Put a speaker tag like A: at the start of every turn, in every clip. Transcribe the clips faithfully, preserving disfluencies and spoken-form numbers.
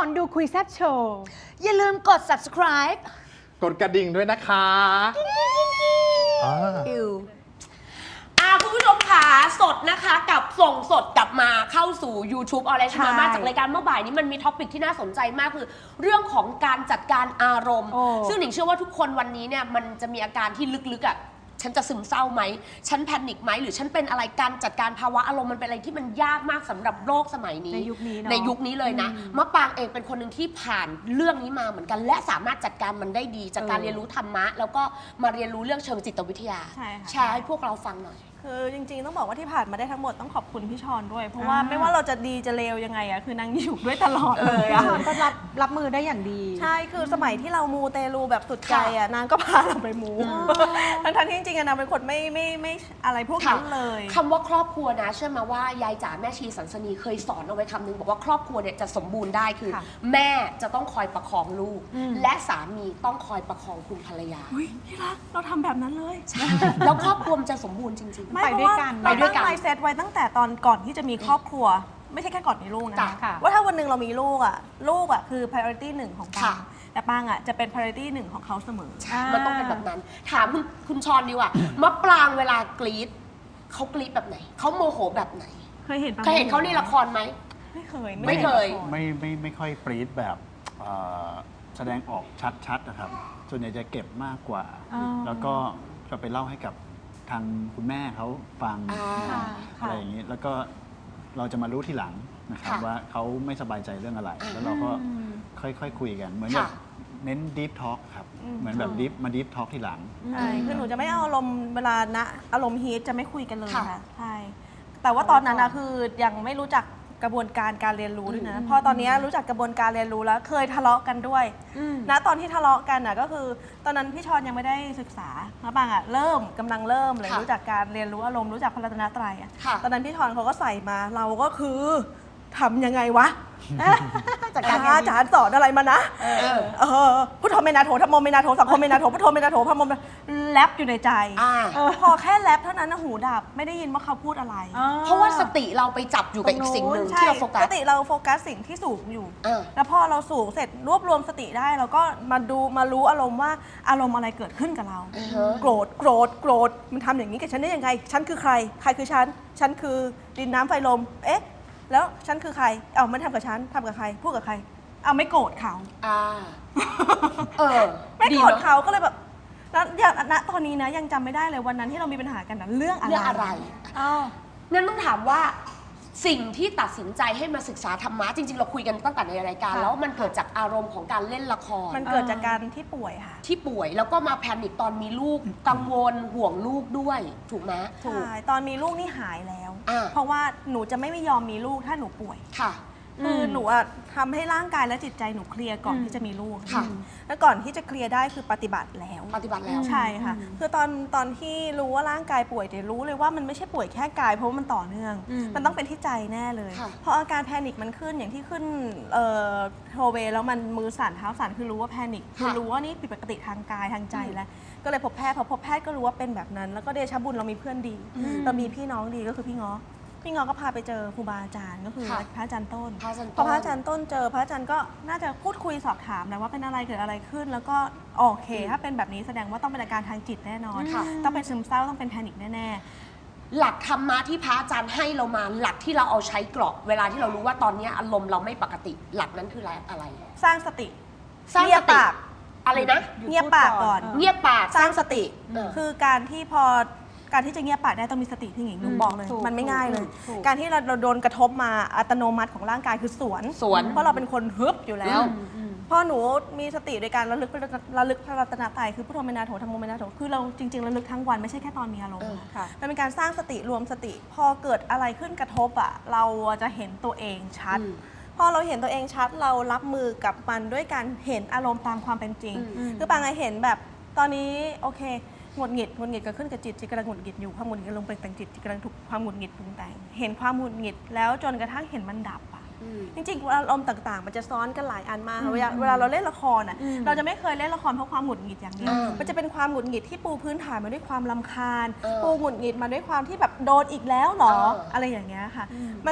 A: อนดูคุยแซ่บโชว์
B: อย่าลืมกด subscribe
C: กดกระดิ่งด้วยนะคะอ่า
B: อิว
D: อ่าคุณผู้ชมค่ะสดนะคะกับส่งสดกลับมาเข้าสู่ YouTube ออนไลน์
A: ใช่
D: มาจากรายการเมื่อบ่ายนี้มันมีท็อปิกที่น่าสนใจมากคือเรื่องของการจัดการอารมณ์
A: โอ้
D: ซึ่งหนิงเชื่อว่าทุกคนวันนี้เนี่ยมันจะมีอาการที่ลึกๆอ่ะฉันจะซึมเศร้าไหมฉันแพนิคไหมหรือฉันเป็นอะไรการจัดการภาวะอารมณ์มันเป็นอะไรที่มันยากมากสำหรับโลกสมัยนี้
A: ในยุคนี้เนอะ
D: ในยุคนี้เลยนะมะปรางเองเป็นคนหนึ่งที่ผ่านเรื่องนี้มาเหมือนกัน และสามารถจัดการมันได้ดีจากการ
A: เออ
D: เรียนรู้ธรรมะแล้วก็มาเรียนรู้เรื่องเชิงจิตวิทยา
E: ใช่ค่ะ
D: แชร์ให้พวกเราฟังหน่อย
E: คือจริงๆต้องบอกว่าที่ผ่านมาได้ทั้งหมดต้องขอบคุณพี่ชอนด้วย เพราะว่า
A: อ่า
E: ไม่ว่าเราจะดีจะเลวยังไงอะคือนางอยู่ด้วยตลอดเลย
A: พี่
E: อะ
A: ชอนก็รับรับมือได้อย่างดี
E: ใช่คือสมัยที่เรามูเตลูแบบสุดใจอะนางก็พาเราไปมูทั้งๆที่จริงๆอะนางเป็นคนไม่ไม่ไม่อะไรพวกนั้นเลย
D: คำว่าครอบครัวนะเชื่อมาว่ายายจ๋าแม่ชีสันสนีเคยสอนเอาไว้คำนึงบอกว่าครอบครัวเนี่ยจะสมบูรณ์ได้คือ
A: ค่ะ
D: แม่จะต้องคอยประคองลูก
A: อืม
D: และสามีต้องคอยประคองคุณภรรยา
E: อุ้ยที่รักเราทำแบบนั้นเลย
D: แล้วครอบครัวมันจะสมบูรณ์จริง
E: ไม่
A: ไป
E: เพ
A: ด้วย
E: ราะว่า
A: กัน
E: เรา
D: ไปด้วย
E: ตั้ง
D: กัน
E: ไมเซ็ตไว้ตั้งแต่ตอนก่อนที่จะมีครอบครัว ไม่ใช่แค่ก่อนมีลูกนะ
D: จ้ะ
A: ค่ะ
E: ว่าถ้าวันหนึ่งเรามีลูกอะลูกอะคือ priority หนึ่งของปั
D: ค่ะ
E: งแต่ปังอะจะเป็น priority หนึ่งของเขาเสมอ
A: อ่ามั
D: มันต้องเป็นแบบนั้น ถามคุณคุณชอนดีกว่ามะปรางเวลากรี๊ดเขากรี๊ดแบบไหนเขาโมโหแบบไหน
E: เคยเห็นปะ
D: เคยเห็นเขาในละครไหม
E: ไม่เคย
D: ไม่เคย
E: ห็นละร
C: ไม่ไม่ไม่ค่อยปรี๊ดแบบเอ่อแสดงออกชัดๆนะครับ ส่วนใหญ่จะเก็บมากกว่า
A: อ๋อ
C: แล้วก็จะไปเล่าให้กับทางคุณแม่เขาฟัง
D: อ่า
C: นะ
A: ค่ะ
C: อะไรอย่างนี้ แล้วก็เราจะมารู้ทีหลังนะครับ
D: ค่ะ
C: ว่าเขาไม่สบายใจเรื่องอะไร
D: อ่า
C: แล้วเราก็
A: อืม
C: ค่อยๆคุยกัน เหมือนแบ
D: ค่ะ
C: บเน้น deep talk ครับ
E: อืม
C: เหมือนแบบ deep มา deep talk ทีหลัง
E: ใช่คือหนูจะไม่เอาอารมณ์เวลาณอารมณ์ฮีทจะไม่คุยกันเลย
D: ค่ะ
E: ค่ะใช่แต่ว่าตอนนั้นนะคือยังไม่รู้จักกระบวนการการเรียนรู้ด้วยนะพอตอนนี้รู้จักกระบวนการเรียนรู้แล้วเคยทะเลาะกันด้วย
A: อืม
E: ณตอนที่ทะเลาะกันน่ะก็คือ ตอนนั้นพี่ชอนยังไม่ได้ศึกษาแล้วบางอ่ะเริ่มกำลังเริ่มเลย
D: ค่ะ
E: รู้จักการเรียนรู้อารมณ์รู้จักพระรัตนตรัยอ่ะ
D: ค่ะ
E: ตอนนั้นพี่ชอนเขาก็ใส่มาเราก็คือทำยังไงวะ
A: จัดการ
E: อาจารย์สอนอะไรมานะ
D: เออ
E: เออพุทโธเมนาโถธรรมโมเมนาโถสังโฆเมนาโถพุทโธเมนาโถพระโมเมนาแรปอยู่ในใจ
D: อ่า
E: เออพอแค่แรปเท่านั้นนะหูดับไม่ได้ยินว่าเขาพูดอะไร
A: อ๋อ
D: เพราะว่าสติเราไปจับอยู่กับอีกสิ่งหนึ่ง
E: ใช่
D: ที่เราโฟกั
E: ส
D: ส
E: ติเราโฟกัสสิ่งที่สูงอยู่
D: เออ
E: แล้วพอเราสูงเสร็จรวบรวมสติได้เราก็มาดูมารู้อารมณ์ว่าอารมณ์อะไรเกิดขึ้นกับเรา
D: อือฮะ
E: โกรธโกรธโกรธมันทำอย่างนี้กับฉันได้ยังไงฉันคือใคร ใครคือฉันฉันคือดินน้ำไฟลมเอ๊ะแล้วฉันคือใครเอามันทำกับฉันทำกับใครพูดกับใครเอาไม่โกรธเขา
D: อ่า เออ
E: ไม่
D: ดี
E: โกรธ
D: เนอะ
E: เขาก็เลยแบบแล้วอย่างณตอนนี้นะยังจำไม่ได้เลยวันนั้นที่เรามีปัญหากันนะเรื่องอะไร
D: เรื่องอะไร
A: อ้าว
D: งั้นต้องถามว่าสิ่งที่ตัดสินใจให้มาศึกษาธรรมะจริง ๆ เราคุยกันตั้งแต่ในรายการ
E: ค่ะ
D: แล้วมันเกิดจากอารมณ์ของการเล่นละคร
E: มันเกิดจากการที่ป่วยค่ะ
D: ที่ป่วยแล้วก็มาแพนิคตอนมีลูกกังวลห่วงลูกด้วยถูกไหมถูก
E: ใช่ตอนมีลูกนี่หายแล้ว
D: อ่า
E: เพราะว่าหนูจะไม่ไม่ยอมมีลูกถ้าหนูป่วย
D: ค่ะ
E: คือหนูอะทำให้ร่างกายและจิตใจหนูเคลียร์ก่อน
A: อืม
E: ที่จะมีลูก
D: ค่ะ
E: แล้วก่อนที่จะเคลียร์ได้คือปฏิบัติแล้ว
D: ปฏิบัติแล้ว
E: ใช่ค่ะ คือตอนตอนที่รู้ว่าร่างกายป่วยแต่รู้เลยว่ามันไม่ใช่ป่วยแค่กาย เพราะว่ามันต่อเนื่อง
A: อืม
E: มันต้องเป็นที่ใจแน่เลย
D: ค่ะ
E: เพราะอาการแพนิคมันขึ้นอย่างที่ขึ้นเอ่อโทเวย์แล้วมันมือสั่นเท้าสั่นคือรู้ว่าแพนิคคือรู้ว่านี่ผิดปกติทางกายทางใจแล้ว ก็เลยพบแพทย์พอพบแพทย์ก็รู้ว่าเป็นแบบนั้น แล้วก็เดชะบุญเรามีเพื่อนดี เรามีพี่น้องดีก็คือพี่ง้อพี่ง้อก็พาไปเจอครูบาอาจารย์ก็คือ
D: ค่ะ
E: พระอาจารย์ต้น
D: พระอาจารย์
E: พอ
D: ต้น
E: พระอาจารย์ต้นเจอพระอาจารย์ก็น่าจะพูดคุยสอบถามแหละว่าเป็นอะไรเกิดอะไรขึ้น แล้วก็โอเค ถ้าเป็นแบบนี้แสดงว่าต้องเป็นอาการทางจิตแน่นอน
D: ค่ะ
E: ต้องเป็นซึมเศร้าต้องเป็นแพนิคแน่
D: หลักธรรมะที่พระอาจารย์ให้เรามาหลักที่เราเอาใช้กรอบเวลาที่เรารู้ว่าตอนนี้อารมณ์เราไม่ปกติ หลักนั้นคืออะไร
E: ๆ สร้างสติ
D: สร้าง
E: เงี
D: ส
E: ยบ
D: ติ
E: ปาก
D: อะไรนะ
E: เงียบปากก่อน
A: เออ
D: เงียบปาก
E: สร้างสติ
D: เออ
E: คือการที่พอการที่จะเงียบปากได้ต้องมีสติที่หญิงหนู
A: อืม
E: บอกเลย
A: ถูก
E: มันไม่ง่ายเลย
A: ถูก
E: การที่เราเราโดนกระทบมาอัตโนมัติของร่างกายคือสวน
D: สวน
E: เพราะเราเป็นคนฮึบอยู่แล้ว
D: อืม
A: อืม
E: พอหนูมีสติโดยการระลึกระลึกพระรัตนตรัยคือพุทโธเมนาโถธรรมโมเมนาโถคือเราจริงๆระลึกทั้งวันไม่ใช่แค่ตอนมีอารมณ์
D: เออ
E: นะ
A: ค่ะ
E: มันเป็นการสร้างสติรวมสติ พอเกิดอะไรขึ้นกระทบอ่ะเราจะเห็นตัวเองชัด
D: อืม
E: พอเราเห็นตัวเองชัดเรารับมือกับมันด้วยการเห็นอารมณ์ตามความเป็นจริง
D: อืม
E: คือปางไงเห็นแบบตอนนี้โอเคหงุดหงิดหงุดหงิดเกิดขึ้นกับจิตจิตกำลังหงุดหงิดอยู่ความหงุดหงิดกำลังปรุงแต่งจิตจิตกำลังถูกความหงุดหงิดปรุงแต่งเห็นความหงุดหงิดแล้วจนกระทั่งเห็นมันดับอ่ะ
D: อืม
E: จริงๆอารมณ์ต่างๆ มันจะซ้อนกันหลายอันมาก
A: อืม
E: เวลาเวลาเราเล่นละครอ่ะ
A: อืม
E: เราจะไม่เคยเล่นละครเพราะความหงุดหงิดอย่างเดียว
D: อ่ามั
E: มันจะเป็นความหงุดหงิดที่ปูพื้นฐานมาด้วยความรำคาญ
D: เออ
E: ปูหงุดหงิดมาด้วยความที่แบบโดนอีกแล้วเหรอ
D: เอออ
E: อะไรอย่างเงี้ยค่ะ มันจะ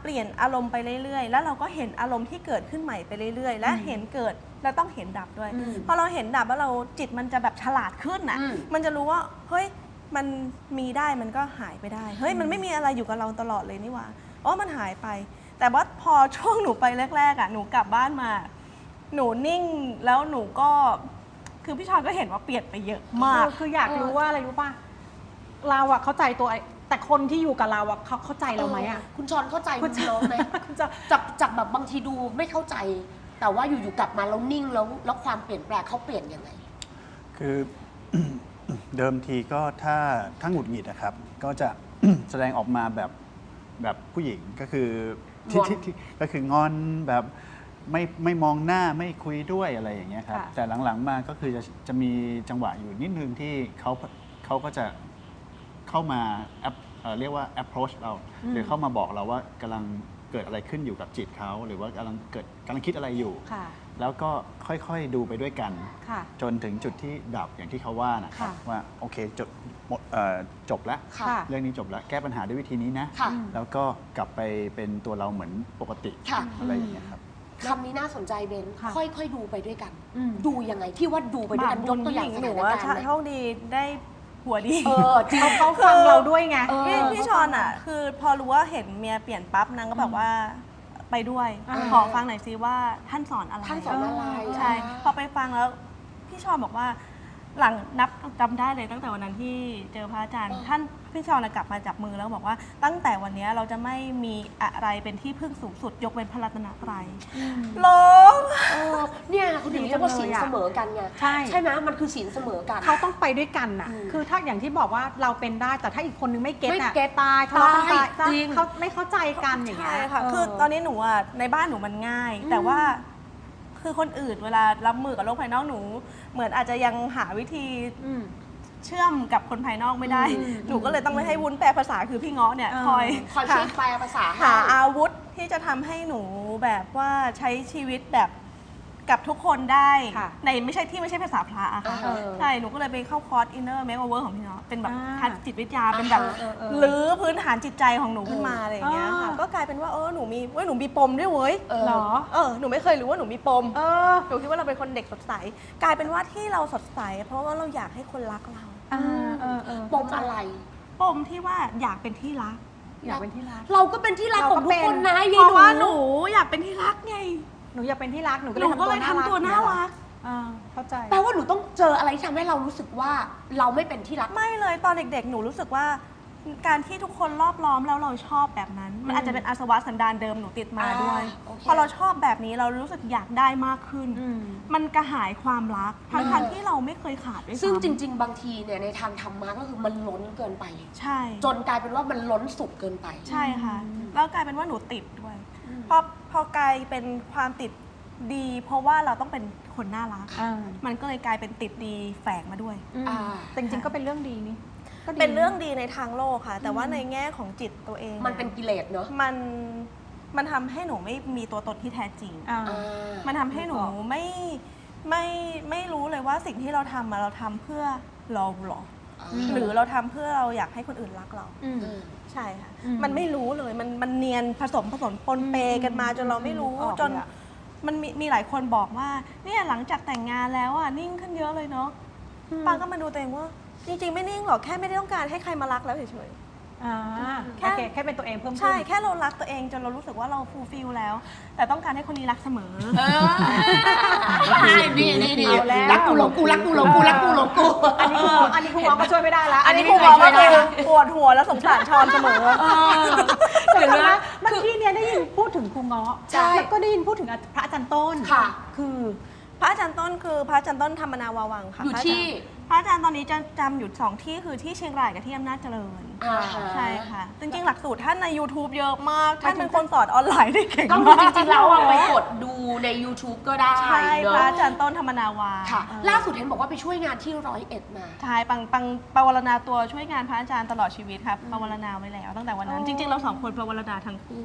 E: เปลี่ยนอารมณ์ไปเรื่อยๆ แล้วเราก็เห็นอารมณ์ที่เกิดขึ้นใหม่ไปเรื่อยๆ และเห็นเกิดแล้วต้องเห็นดับด้วย
D: อืม
E: พอเราเห็นดับแล้วเราจิตมันจะแบบฉลาดขึ้นนะ
D: อืม
E: มันจะรู้ว่าเฮ้ยมันมีได้มันก็หายไปได้เฮ้ยมันไม่มีอะไรอยู่กับเราตลอดเลยนี่หว่าอ๋อมันหายไป แต่ว่าพอช่วงหนูไปแรกๆอ่ะหนูกลับบ้านมา หนูนิ่งแล้วหนูก็คือพี่ชอนก็เห็นว่าเปลี่ยนไปเยอะมาก
A: เออคืออยากรู้ว่าอะไรรู้ป่ะ เราอะเข้าใจตัวไอ้แต่คนที่อยู่กับเราอะเขาเข้าใจเราไหมอะ
D: คุณชอนเข้าใจ
A: คุ
D: คุณ ณ
A: ชอน
D: น้องไหม
A: คุณจะ
D: จากจากแบบบางทีดูไม่เข้าใจ แต่ว่าอยู่ๆกลับมาแล้วนิ่งแล้วแล้วความเปลี่ยนแปลงเขาเปลี่ยนยังไง
C: คือ เดิมทีก็ถ้าถ้าหงุดหงิดนะครับ ก็จะ แสดงออกมาแบบแบบผู้หญิงก็คือที่
D: งอน
C: ที่ที่ก็คืองอนแบบไม่ไม่มองหน้าไม่คุยด้วยอะไรอย่างเงี้ยครับ
A: ค่ะ
C: แต่หลังๆมาก็คือจะจะมีจังหวะอยู่นิดนึงที่เขาเขาก็จะเข้ามาแอปเอ่อเรียกว่า approach เรา หรือเข้ามาบอกเราว่ากำลังเกิดอะไรขึ้นอยู่กับจิตเขาหรือว่ากำลังเกิดกำลังคิดอะไรอยู่
A: ค่ะ
C: แล้วก็ค่อยๆดูไปด้วยกัน
A: ค่ะ
C: จนถึงจุดที่ดับอย่างที่เขาว่านะครับ
A: ค่ะ
C: ว่าโอเคจบหมดเอ่อจบแล้ว
D: ค่ะ
A: ค่ะ
C: เรื่องนี้จบแล้วแก้ปัญหาด้วยวิธีนี้นะ
D: ค่ะ
C: แล้วก็กลับไปเป็นตัวเราเหมือนปกติ
D: ค่ะ
C: อะไรอย่างเงี้ยครับ
D: คำนี้น่าสนใจเบน
A: ค่ะ
D: ค่อยๆดูไปด้วยกัน
A: อืม
D: ดูยังไงที่ว่าดูไปด้วยกันยกตัวอย่างส
E: หนู
D: ถาน
E: ว่า
D: การณ์ไหม
E: โชคดีได้ผัวดี
D: เออจริง
A: เขาเขาฟังเราด้วยไง
D: เออ
E: พี่พี่ชอนอ่ะ คือพอรู้ว่าเห็นเมียเปลี่ยนปั๊บนางก็แบบว่าไปด้วย
A: อ่า
E: ขอฟังหน่อยซิว่าท่านสอนอะไร
D: ท่านสอนอะไร
E: ใช่พอไปฟังแล้วพี่ชอนบอกว่า หลังนับจำได้เลยตั้งแต่วันนั้นที่เจอพระอาจารย์ ท่านพี่ชอนกลับมาจับมือแล้วบอกว่าตั้งแต่วันนี้เราจะไม่มีอะไรเป็นที่พึ่งสูงสุดยกเว้นพระรัตนตรัยร้อง
D: เออเนี่ยคุณถึงเรียกว่าศีลเสมอกันไง
A: ใช่
D: ใช่ไหมมันคือศีลเสมอกัน
A: เขาต้องไปด้วยกันน่ะ
D: อืม
A: คือถ้าอย่างที่บอกว่าเราเป็นได้ แต่ถ้าอีกคนนึงไม่เก็ต
D: ไม่
A: น่ะ
D: เก็ต
A: ตายทะเลาะกัน
D: ตา
A: ตาย ย
D: จริง
A: เขาไม่เข้าใจกันอย่างเงี้
E: ใช่
A: ย
E: ค่ะ
A: เ
E: คือตอนนี้หนูอ่ะในบ้านหนูมันง่าย แต่ว่าคือคนอื่นเวลารับมือกับโลกภายนอกหนู เหมือนอาจจะยังหาวิธี
A: อืม
E: เชื่อมกับคนภายนอกไม่ได้
A: อืม
E: หนูก็เลยต้องไปให้วุ้นแปลภาษาคือพี่เงาะเนี่ย
A: เออ
E: คอย
D: คอยช่วยแปลภาษาให้
E: หาอาวุธที่จะทำให้หนูแบบว่าใช้ชีวิตแบบกับทุกคนได้
A: ค่ะ
E: ในไม่ใช่ที่ไม่ใช่ภาษาพระอะค่ะ
D: เออ
E: ใช่หนูก็เลยไปเข้าคอร์ส inner makeover ของพี่เงาะเป็นแบบ
A: อ่า
E: ทัศจิตวิทยาเป็นแบบ
A: เออเออเออ
E: รื้อพื้นฐานจิตใจของหนูขึ้นมาอะไรอย่างเงี้ยค่ะ
A: อ่า
E: ก็กลายเป็นว่าเออหนูมีเว้ยหนูมีปมด้วยเว้ย
D: เออ
A: เหรอ
E: เออหนูไม่เคยรู้ว่าหนูมีปม
A: เออ
E: หนูคิดว่าเราเป็นคนเด็กสดใส กลายเป็นว่าที่เราสดใส เพราะว่าเราอยากให้คนรักเรา
A: อ่าเออเออ
D: ปมอะไร
E: ปมที่ว่าอยากเป็นที่รัก
A: อยากเป็นที่รัก
D: เราก็เป็นที่รักของทุกคนนะ
E: เพ
D: ยาย
E: ราะว่า
D: ห
E: ห
D: นู
E: นูอยากเป็นที่รักไง
A: หนูอยากเป็นที่รัก หนูก็
E: ห
A: เล
E: นู
A: ย
E: ก็เลยทำตัวน่ารัก
A: อ่าเข้าใจ
D: แปลว่าหนูต้องเจออะไรที่ทำให้เรารู้สึกว่าเราไม่เป็นที่รัก
E: ไม่เลยตอนเด็กๆ หนูรู้สึกว่าการที่ทุกคนรอบล้อมแล้วเราชอบแบบนั้น มันอาจจะเป็นอาสวะสันดานเดิมหนูติดมาด้วย
D: อ่าโอเค
E: พอเราชอบแบบนี้เรารู้สึกอยากได้มากขึ้น
A: อืม
E: มันกระหายความรักทั้งๆที่เราไม่เคยขาดด้วยซ้ำ
D: ซึ่งจริง ๆ บางทีเนี่ยในทางธรรมะก็คือมันล้นเกินไป
E: ใช่
D: จนกลายเป็นว่ามันล้นสุดเกินไป
E: ใช่ค่ะ แล้วกลายเป็นว่าหนูติดด้วยพอพอกลายเป็นความติดดี เพราะว่าเราต้องเป็นคนน่ารัก
A: อ่า
E: มันก็เลยกลายเป็นติดดีแฝงมาด้วย
A: อืม
D: อ่า
A: แต่จริงๆก็เป็นเรื่องดีนี่ก็ดี
E: เป็นเรื่องดีในทางโลกค่ะ แต่ว่าในแง่ของจิตตัวเอง
D: มันเป็นกิเลสเนอะ
E: มันมันทำให้หนูไม่มีตัวตนที่แท้จริง
A: อ่า
D: อ่า
E: มันทำให้หนูไม่ไม่ไม่รู้เลยว่าสิ่งที่เราทำมาเราทำเพื่อเราหรอ
A: อืม
E: หรือเราทำเพื่อเราอยากให้คนอื่นรักเรา
A: อืม
D: เออ
E: ใช่ค่ะ
A: อืม
E: มันไม่รู้เลยมันมันเนียนผสมผสมปนเปกันมาจนเราไม่รู้
A: ออกเลยอะ
E: จนมันมีมีหลายคนบอกว่าเนี่ยหลังจากแต่งงานแล้วอ่ะนิ่งขึ้นเยอะเลยเนาะปางก็มาดูตัวเองว่า จริง ๆ ไม่นิ่งหรอกแค่ไม่ได้ต้องการให้ใครมารักแล้วเฉย
A: อ่า
E: แค่
A: โอเคแค่เป็นตัวเองเพิ่ม
E: ๆ
A: ขึ้น
E: ใช่แค่เรารักตัวเองจนเรารู้สึกว่าเราฟูลฟิลแล้ว แต่ต้องการให้คนนี้รักเสมอ
D: เออนี่นี่นี่
A: เอาแล้ว
D: รักกูหลงกูรักกูหลงกูรักกูหลงกู
A: อันนี้คืออันนี้คือหมอก็ช่วยไม่ได้ละ
E: อันนี้ครูบอกว่าคือปวดหัวแล้วสงสารชอนเสมอ
A: เดี๋ยว
D: เดี๋ยว
A: นะ
D: นะ
A: เมื่อกี้เนี่ยได้ยินพูดถึงครูเงาะ
D: ใช่
A: แล้วก็ได้ยินพูดถึงพระอาจารย์ต้น
D: ค่ะ
A: คือ
E: พระอาจารย์ต้นคือพระอาจารย์ต้นธรรมนาวาวังค่ะ
D: อยู่ที่
E: พระอาจารย์ตอนนี้จะจำอยู่สองที่คือที่เชียงรายกับที่อำนาจเจริญ
D: อ่า
E: ใช่ค่ะ จริงๆ หลักสูตรท่านใน YouTube เยอะมาก ท่านเป็นคนสอนออนไลน์ได้เก่ง
D: ก็
E: มาก
D: คือจริงๆแล้วอะไปกดดูใน YouTube ก็ได้
E: ใช่
D: เน
E: พระ
D: อะ
E: อาจารย์ต้นธรรมนาวา
D: ค่ะ ล่าสุดเห็นบอกว่าไปช่วยงานที่ร้อยเอ็ดมา
E: ใช่ปังปังปวารณาตัวช่วยงานพระอาจารย์ตลอดชีวิตครับปวารณาไว้แล้วตั้งแต่วันนั้น จริงๆ เราสองคนปวารณาทั้งคู่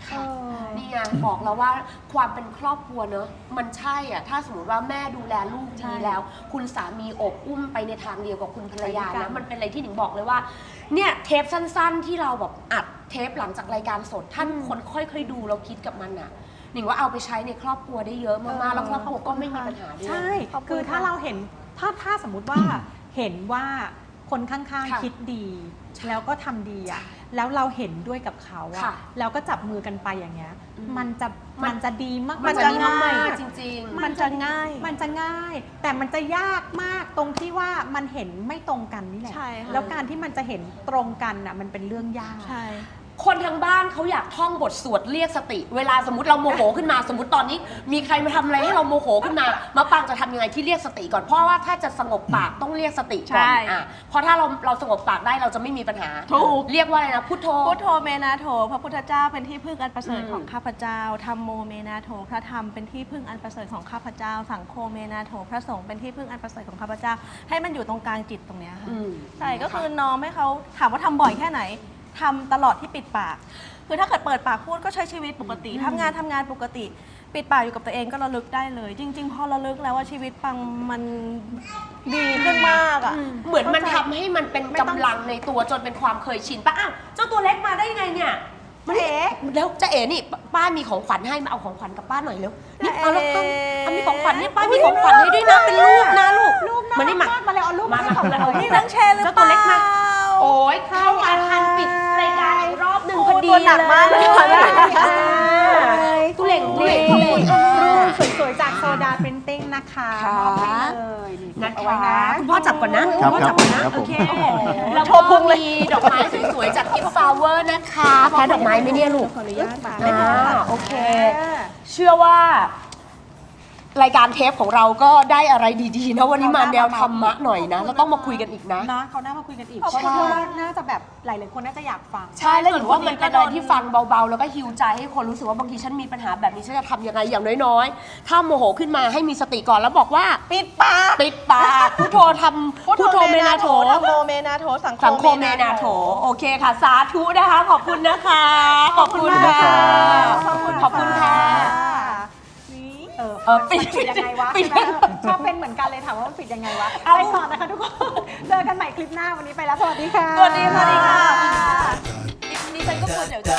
A: เออ
D: นี่ไงบอกแล้วว่าความเป็นครอบครัวเนอะมันใช่อ่ะถ้าสมมติว่าแม่ดูแลลูก
A: ใช่
D: ดีแล้ว คุณสามีอบอุ้มไปในทางเดียวกับคุณภรรยา
A: ไปด้วยกั
D: นะ
A: น
D: มันเป็นอะไรที่หนิงบอกเลยว่าเนี่ยเทปสั้นๆ ที่เราแบบอัดเทปหลังจากรายการสดท่านคนค่อยๆดูเราคิดกับมันอ่ะหนิงว่าเอาไปใช้ในครอบครัวได้เยอะมากๆแล้วครอบครัวก็ไม่มีปัญหาด้วย
A: ใช่
E: ขอบคุณ
A: คือถ้า
E: ค่ะ
A: เราเห็นถ้าถ้าสมมุติว่าเห็นว่าคนข้าง
D: ค่ะ
A: ๆคิดดี แล้วก็ทำดีอ่ะแล้วเราเห็นด้วยกับเขา
D: ค่ะ
A: อ่ะแล้วก็จับมือกันไปอย่างเงี้ย
D: อืม
A: มันจะ
D: มัน
A: มันจะดีมาก
E: มัน
A: จะ
E: จะ
A: ดี
E: ง่าย
A: มาก
D: จริงๆ
E: มันจะง่าย
A: มันจะง่าย แต่มันจะยากมากตรงที่ว่ามันเห็นไม่ตรงกันนี่แหละ
E: ใช่ค่ะ
A: แล้วการที่มันจะเห็นตรงกันอ่ะมันเป็นเรื่องยาก
E: ใช่
D: คนทางบ้านเขาอยากท่องบทสวดเรียกสติ เวลาสมมติเราโมโหขึ้นมา สมมติตอนนี้ มีใครมาทำอะไรให้เราโมโหขึ้นมามาปังจะทำยังไงที่เรียกสติก่อน เพราะว่าถ้าจะสงบปากต้องเรียกสติก่อน
E: ใช่
D: อ่ะเพราะถ้าเราเราสงบปากได้เราจะไม่มีปัญหา
E: ถูก
D: เรียกว่าอะไรนะพุทโธ
E: พุทโธเมนาโถพระพุทธเจ้าเป็นที่พึ่งอันประเสริฐ
D: อืม
E: ของข้าพเจ้าธัมโมเมนาโถพระธรรมเป็นที่พึ่งอันประเสริฐของข้าพเจ้า สังโฆเมนาโถพระสงฆ์เป็นที่พึ่งอันประเสริฐของข้าพเจ้า ให้มันอยู่ตรงกลางจิตตรงเนี้ยค่ะ
D: อืม
E: ใช่ก็คือน้อมให้เขาถามว่าทำบ่อยแค่ไหนทำตลอดที่ปิดปาก คือถ้าเกิดเปิดปากพูดก็ใช้ชีวิตปกติทำงานทำงานปกติ ปิดปากอยู่กับตัวเองก็ระลึกได้เลย จริง ๆ พอระลึกแล้วว่าชีวิตปังมันดีขึ้นมากอ่ะ
D: เหมือนมันทำให้มันเป็นกำลังในตัวจนเป็นความเคยชินป้าอ้าวเจ้าตัวเล็กมาได้ยังไงเนี่ยมันเอ๋แล้วจะเอ๋นี่ป้ามีของขวัญให้มาเอาของขวัญกับป้าหน่อยเร็วนี่เอาแล้วป้าเอามีของขวัญเนี่ยป้ามีของขวัญให้ด้วยนะเป็นรูปนะลูก
A: รูปน่า
D: มานี่มา
A: รักมาเลยเอารูป
D: มา
A: ให้ของ
D: มา
A: เรา
E: นี่นั่งแชร์หรือ
D: เจ้า
E: เป
D: ตัว
E: ล่า
D: เล็กมา โอ้ยเข้ามาทันปิดรายการอีกรอบหนึ่ง
E: โอ้
D: พอดี
E: ตัวหนักมากเลยค่ะ
D: ตุเล่งตุ
A: รู
D: เล่ง
A: ป
D: ตุเล่ง
A: รูปสวยๆจากโซดาปรินติ้งนะคะ
D: ค่ะ
A: มอบให้เลยนี่
D: นะ
A: เอาไว้
D: คะ
A: นะ
D: คุณพ่อจับก่อนนะ
C: ครั
D: คุ
C: บ
D: ณพ่อจับก่อนนะครับ
C: ผม
D: โอเคแล้วก็มีดอกไม้สวยๆจากกิฟต์ฟลาวเวอร์นะคะแพ้ดอกไม้ไหมเนี่ยลูก
E: ขออนุญาตค่ะ
D: อ่าโอเค เชื่อว่ารายการเทปของเราก็ได้อะไรดีๆนะวันนี้มาแนวธรรมะหน่อยนะแล้วต้องมาคุยกันอีกนะ
A: นะเขาน่ามาคุยกันอีก
E: ขอบ
A: เพ
E: คุณ
A: ราะว่า
E: ค่ะ
A: น่าจะแบบหลายๆคนน่าจะอยากฟัง
D: ใช่แล้วหรือว่ามันเป็นอะไรที่ฟังเบาๆ แล้วก็ฮิวใจให้คนรู้สึกว่าบางทีฉันมีปัญหาแบบนี้ฉันจะทำยังไงอย่างน้อยๆ ถ้าโมโหขึ้นมาให้มีสติก่อนแล้วบอกว่า
E: ปิดปาก
D: ปิดปากพุทโธทำพุทโธเมนาโถ
E: ธัมโมเมนาโถสัง
D: สังโฆเมนาโถโอเคค่ะ สาธุนะคะ ขอบคุณนะคะ ขอบคุณค่ะ
E: ขอบคุณ
D: ขอบคุณค่ะ
E: นี่
A: เออ
D: เออปิด
A: มันปิดยังไงวะ
D: ปิด
A: ใช่ไหมชอบเป็นเหมือนกันเลยถามว่ามันปิดยังไงวะ
D: เอา
A: ไปต่อนะคะทุกคน เจอกันใหม่คลิปหน้าวันนี้ไปแล้ว สวัสดีค่ะ
D: สวัสดีสวัสดีค่ะดิฉันก็ควรเดี๋ยวจะ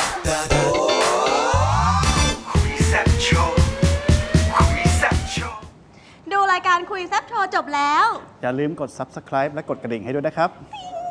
F: คุยแซ่บโชว์คุยแซ่บโชว์
E: ดูรายการคุยแซ่บโชว์จบแล้ว
C: อย่าลืมกด ซับสไครบ์ และกดกระดิ่งให้ด้วยนะครับ
E: ติ๊ง